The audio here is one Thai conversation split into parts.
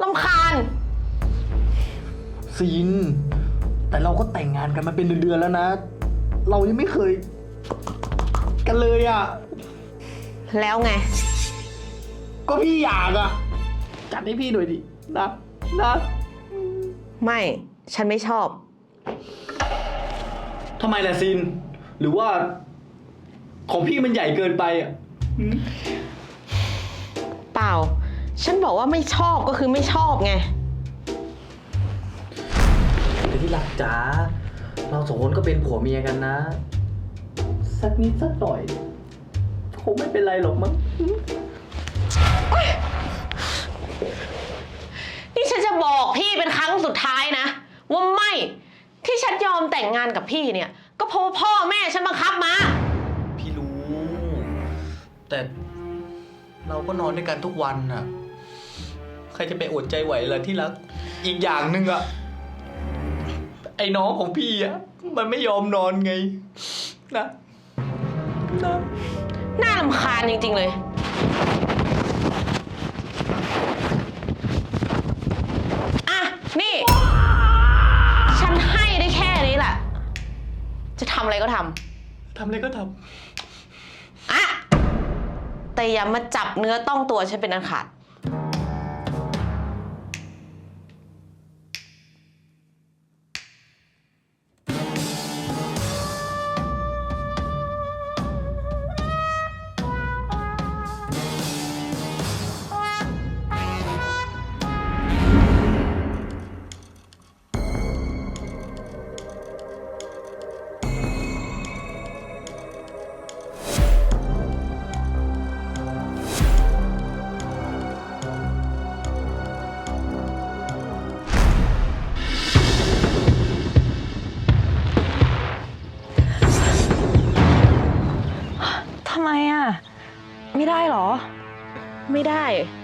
ำคาญซีนแต่เราก็แต่งงานกันมาเป็นเดือนๆแล้วนะ เรายังไม่เคยกันเลยอ่ะแล้วไงก็พี่อยากอ่ะจัดให้พี่หน่อยดินะไม่ฉันไม่ชอบทำไมล่ะซีนหรือว่าของพี่มันใหญ่เกินไปอ่ะเปล่าฉันบอกว่าไม่ชอบก็คือไม่ชอบไงแต่ที่รักจ๋าเราสองคนก็เป็นผัวเมียกันนะสักนิดสักหน่อยคงไม่เป็นไรหรอกมั้งนี่ฉันจะบอกพี่เป็นครั้งสุดท้ายนะว่าไม่ที่ฉันยอมแต่งงานกับพี่เนี่ยก็เพราะว่าพ่อแม่ฉันบังคับมาพี่รู้แต่เราก็นอนด้วยกันทุกวันน่ะใครจะไปอดใจไหวล่ะที่รักอีกอย่างหนึ่งอ่ะไอ้น้องของพี่อ่ะมันไม่ยอมนอนไงนะน่ารำคาญจริงๆเลยอ่ะนี่ฉันให้ได้แค่นี้แหละจะทำอะไรก็ทำอะไรก็ทำอ่ะแต่อย่ามาจับเนื้อต้องตัวฉันเป็นอันขาดทำไมอ่ะไม่ได้หรอไม่ได้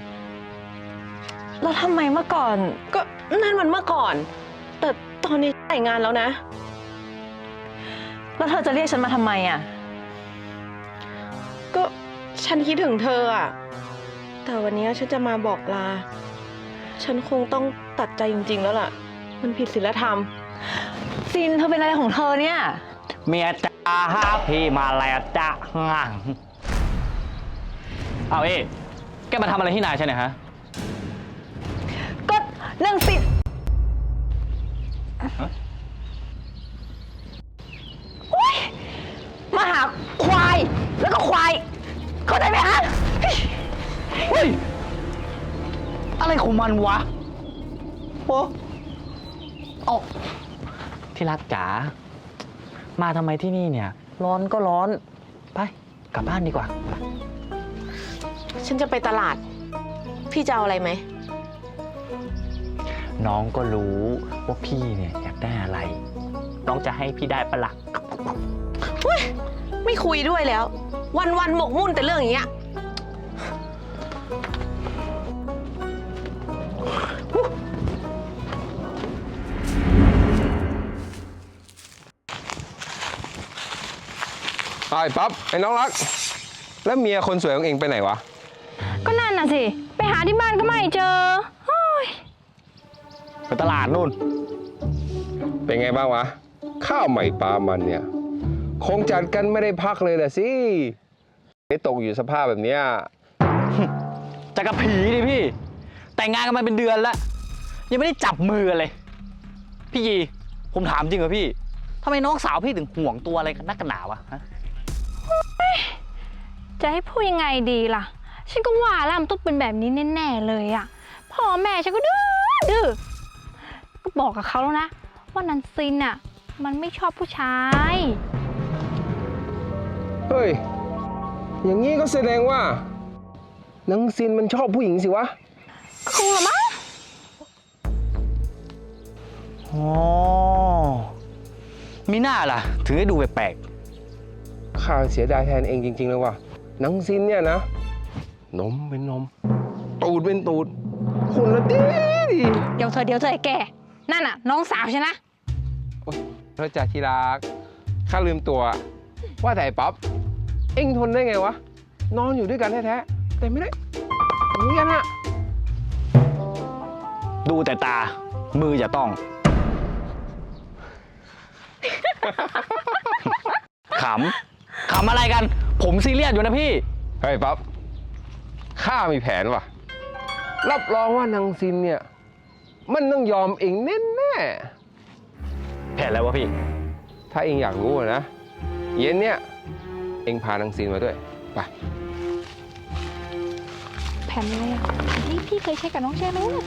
แล้วทำไมเมื่อก่อนก็นั่นมันเมื่อก่อนแต่ตอนนี้แต่งงานแล้วนะแล้วเธอจะเรียกฉันมาทำไมอ่ะก็ฉันคิดถึงเธออ่ะแต่วันนี้ฉันจะมาบอกลาฉันคงต้องตัดใจจริงๆแล้วล่ะมันผิดศีลธรรมซินเธอเป็นอะไรของเธอเนี่ยเมียจ้าพี่มาแล้วจ้าเอาแกมาทำอะไรที่นายใช่ไหมฮะก็เรื่องสิมาหาควายแล้วก็ควายเข้าใจไหมฮะเฮ้ยอะไรของมันวะโอ้เอาที่รักจ๋ามาทำไมที่นี่เนี่ยร้อนก็ร้อนไปกลับบ้านดีกว่าฉันจะไปตลาดพี่จะเอาอะไรไหมน้องก็รู้ว่าพี่เนี่ยอยากได้อะไรน้องจะให้พี่ได้ปะล่ะไม่คุยด้วยแล้ววันๆหมกมุ่นแต่เรื่องอย่างเงี้ยไอ้ปั๊บไอ้น้องรักแล้วเมียคนสวยของเองไปไหนวะก็นั่นน่ะสิไปหาที่บ้านก็ไม่เจอไปตลาดนู่นเป็นไงบ้างวะข้าวใหม่ปลามันเนี่ยคงจัดกันไม่ได้พักเลยแหละสิไม่ตกอยู่สภาพแบบเนี้ยจะกับผีดิพี่แต่งงานกันมาเป็นเดือนแล้วยังไม่ได้จับมือกันเลยพี่ยีผมถามจริงเหรอพี่ทำไมน้องสาวพี่ถึงห่วงตัวอะไรกันนักกันหนาวะฮะจะให้พูดยังไงดีล่ะฉันก็ว่าแล้วมันต้องเป็นแบบนี้แน่ๆเลยอ่ะพ่อแม่ฉันก็ดื้อก็บอกกับเขาแล้วนะว่านันซินอ่ะมันไม่ชอบผู้ชายเฮ้ยอย่างนี้ก็แสดงว่านังซินมันชอบผู้หญิงสิวะคงละมั้งอ๋อมีหน้าล่ะถึงได้ดูแปลกข้าเสียดายแทนเองจริงๆเลยว่ะนังซินเนี่ยนะนมเป็นนมตูดเป็นตูดหุ่นละดีเดี๋ยวเธอไอ้แกนั่นน่ะน้องสาวฉันนะพระจ่าที่รักข้าลืมตัวว่าแต่ป๊อปเอ็งทนได้ไงวะนอนอยู่ด้วยกันแท้ๆแต่ไม่ได้อย่างนี้กันอะดูแต่ตา มืออย่าต้อง ขำอะไรกัน ผมซีเรียสอยู่นะพี่เฮ้ยป๊อปข้ามีแผนว่ะ รับรองว่านางซินเนี่ย มันต้องยอมเองแน่แผนอะไรวะพี่ๆถ้าเองอยากรู้อะนะ เย็นเนี่ย เองพานางซินมาด้วย ไปแผ่นอะไรอ่ะแผ่นที่พี่เคยใช้กับน้องใช่ไหมน่ะ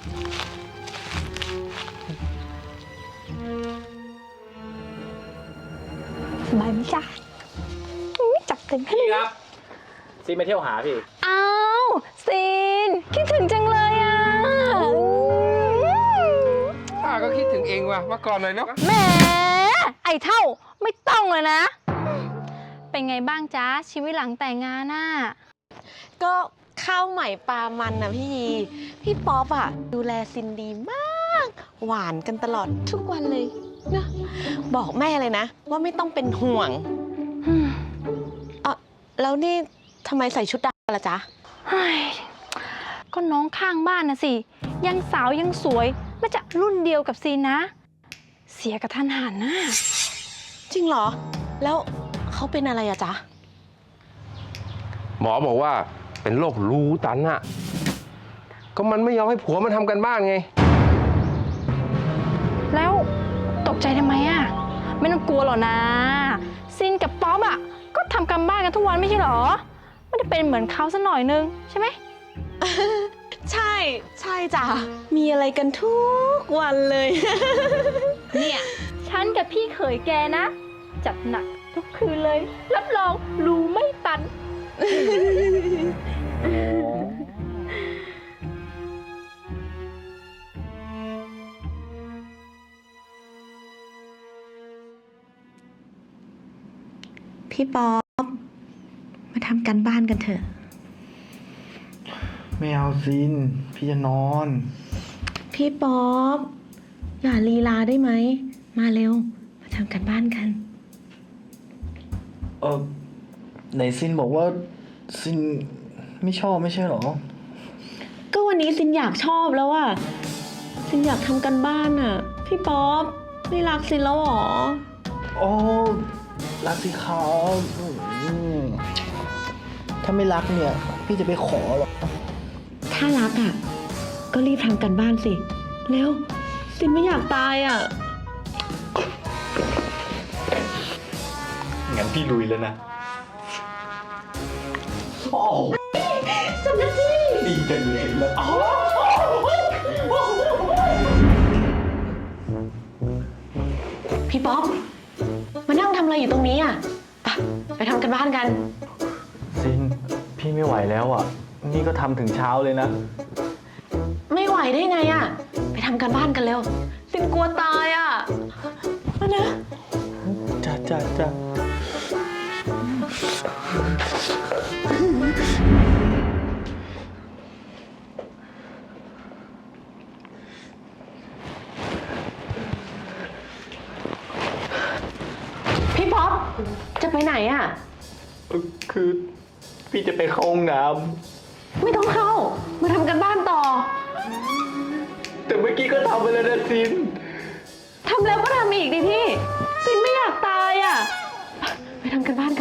สบายไหมจ๊ะอุ๊ยจับเต็มให้เลยครับ ซีมาเที่ยวหาพี่อ้าวซีน คิดถึงจังเลยอ่ะข้าก็คิดถึงเองว่ะมาก่อนหน่อยเนาะแหมไอ้เท่าไม่ต้องเลยนะ เป็นไงบ้างจ๊ะ ชีวิตหลังแต่งงานน่ะก็ข้าวใหม่ปลามันนะพี่ยีพี่ป๊อปอะดูแลซินดีมาก หวานกันตลอดทุกวันเลยนะบอกแม่เลยนะ ว่าไม่ต้องเป็นห่วงแล้วนี่ทำไมใส่ชุดดำล่ะจ๊ะเฮ้ยก็น้องข้างบ้านนะสิ ยังสาวยังสวยมาจะรุ่นเดียวกับซีนนะ เสียกับทันหันนะจริงเหรอ แล้วเขาเป็นอะไรอะจ๊ะหมอบอกว่าเป็นโรครูตันอะก็มันไม่ยอมให้ผัวมันทำกันบ้านไงแล้วตกใจทำไมอะไม่ต้องกลัวหรอกนะซินกับป๊อปอะก็ทำกันบ้านกันทุกวันไม่ใช่หรอไม่ได้เป็นเหมือนเขาสักหน่อยนึงใช่ไหมใช่จ้ะมีอะไรกันทุกวันเลยเนี่ยฉันกับพี่เขยแกนะ จัดหนักทุกคืนเลย รับรองรู้ไม่ตันพี่ป๊อปมาทำกันบ้านกันเถอะไม่เอาซิน พี่จะนอนพี่ป๊อปอย่าลีลาได้ไหม มาเร็ว มาทำกันบ้านกันไหนซินบอกว่าซินไม่ชอบไม่ใช่หรอก็วันนี้ซินอยากชอบแล้วอะซินอยากทำกันบ้านอะพี่ป๊อปไม่รักซินแล้วหรอโอ้รักสิครับถ้าไม่รักเนี่ย พี่จะไปขอหรอถ้ารักอะก็รีบทำกันบ้านสิ เร็วซินไม่อยากตายอะงั้นพี่ลุยแล้วนะโอ้จำได้สิดีจังเลยแล้วพี่ป๊อปมานั่งทำอะไรอยู่ตรงนี้อะไปทำกันบ้านกันซิน พี่ไม่ไหวแล้วอ่ะ นี่ก็ทำถึงเช้าเลยนะไม่ไหวได้ไงอะไปทำกันบ้านกันเร็วซินกลัวตายอะมานะจ้าพี่ป๊อปจะไปไหนอะคือพี่จะไปเข้าห้องน้ไม่ต้องเข้า มาทำกันบ้านต่อำแต่เมื่อกี้ก็ทำไปแล้วนะซินทำแล้วก็ทำอีกดิพี่ซินไม่อยากตายอะไปทำกันบ้านกัน